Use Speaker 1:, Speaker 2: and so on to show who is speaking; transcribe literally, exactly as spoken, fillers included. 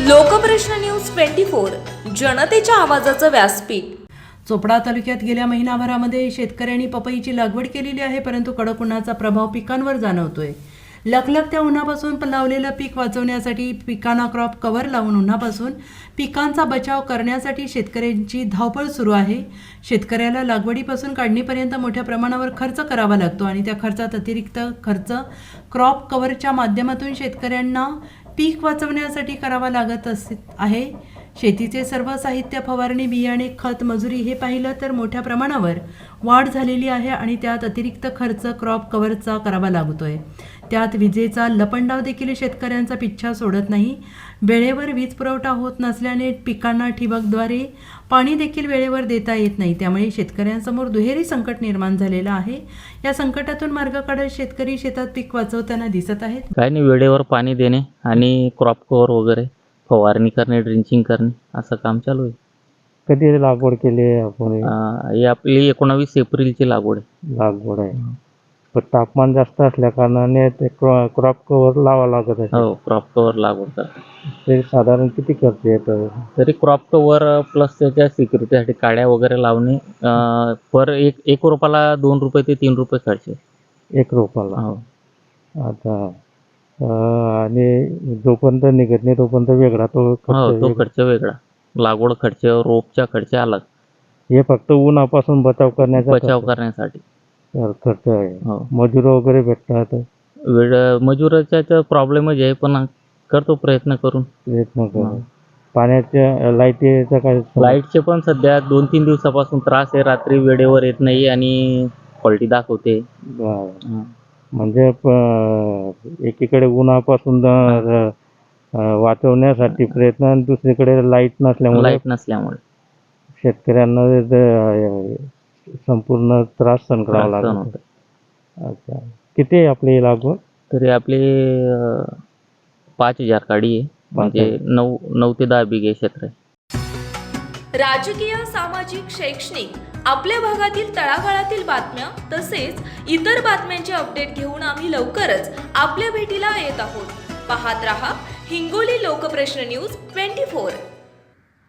Speaker 1: लोकप्रश्न news twenty four जनतेच्या आवाजाचं व्यासपीठ।
Speaker 2: चोपडा तालुक्यात गेल्या महिनाभरामध्ये शेतकऱ्यांनी पपईची लागवड केलेली आहे, परंतु कडक उन्हाचा प्रभाव पिकांवर जाणवतोय। लखलखत्या उन्हापासून लावलेलं पीक वाचवण्यासाठी पिकांना क्रॉप कव्हर लावून उन्हापासून पिकांचा बचाव करण्यासाठी शेतकऱ्यांची धावपळ सुरू आहे। शेतकऱ्याला लागवडीपासून काढणीपर्यंत मोठ्या प्रमाणावर खर्च करावा लागतो आणि त्या खर्चात अतिरिक्त खर्च क्रॉप कव्हरच्या माध्यमातून शेतकऱ्यांना पीक वाचवण्यासाठी करावा लागत आहे। शेतीचे सर्व साहित्य, फवारणी, बियाणे, खत, मजुरी हे पाहिलं तर मोठ्या प्रमाणावर वाढ झालेली आहे आणि त्यात अतिरिक्त खर्च क्रॉप कव्हरचा करावा लागतोय। त्यात विजेचा लपंडाव देखील शेतकऱ्यांचा पिच्छा सोडत नाही। वेळेवर वीज पुरवठा होत नसल्याने पिकांना ठिबकद्वारे पाणी देखील वेळेवर देता येत नाही, त्यामुळे शेतकऱ्यांसमोर दुहेरी संकट निर्माण झालेलं आहे। या संकटातून मार्ग काढत शेतकरी शेतात पीक वाचवताना दिसत आहेत।
Speaker 3: काय नाही, वेळेवर पाणी देणे आणि क्रॉप कव्हर वगैरे फवारणी करणे, ड्रिंचिंग करणे असं काम चालू आहे।
Speaker 4: कधी लागवड केली आहे आपण?
Speaker 3: ही आपली एकोणावीस एप्रिलची लागवड आहे
Speaker 4: लागवड आहे, पण तापमान जास्त असल्या कारणाने ते क्रॉप कव्हर लावा लागत आहे।
Speaker 3: हो, क्रॉप कव्हर लागवड करतात।
Speaker 4: ते साधारण किती खर्च येतो?
Speaker 3: तरी क्रॉप कव्हर प्लस त्याच्या सिक्युरिटीसाठी काड्या वगैरे लावणे पर एक एक रोपाला दोन रुपये ते तीन रुपये खर्च आहे
Speaker 4: एक रोपाला।
Speaker 3: हो,
Speaker 4: आता आणि जोपर्यंत निघत नाही तोपर्यंत वेगळा तो
Speaker 3: हो,
Speaker 4: खर्च
Speaker 3: तो खर्च वेगळा, लागवड खर्च, रोपचा खर्च अलग।
Speaker 4: हे फक्त उन्हापासून बचाव करण्याचा
Speaker 3: बचाव करण्यासाठी
Speaker 4: खर्च आहे।
Speaker 3: हो,
Speaker 4: मजूर वगैरे भेटतात?
Speaker 3: वेळ मजुराचा प्रॉब्लेमच आहे, पण करतो प्रयत्न करून
Speaker 4: प्रयत्न करू। पाण्याच्या लाईटीचा काय?
Speaker 3: लाईटचे पण सध्या दोन तीन दिवसापासून त्रास आहे, रात्री वेळेवर येत नाही आणि क्वालिटी दाखवते।
Speaker 4: बरं. म्हणजे एकीकडे उन्हापासून वाचवण्यासाठी प्रयत्न आणि दुसरीकडे लाईट नसल्यामुळे
Speaker 3: लाईट नसल्यामुळे
Speaker 4: शेतकऱ्यांना संपूर्ण त्रास सहन करावा लागतो। अच्छा, किती आहे आपली लागवड?
Speaker 3: तरी आपले पाच हजार काडी आहे, म्हणजे नऊ नऊ ते दहा बिघे क्षेत्र आहे।
Speaker 1: राजकीय, सामाजिक, शैक्षणिक आपल्या भागातील तळागाळातील बातम्या तसेच इतर बातम्यांचे अपडेट घेऊन आम्ही लवकरच आपल्या भेटीला येत आहोत। पाहत रहा Hingoli Lokprashna news twenty four.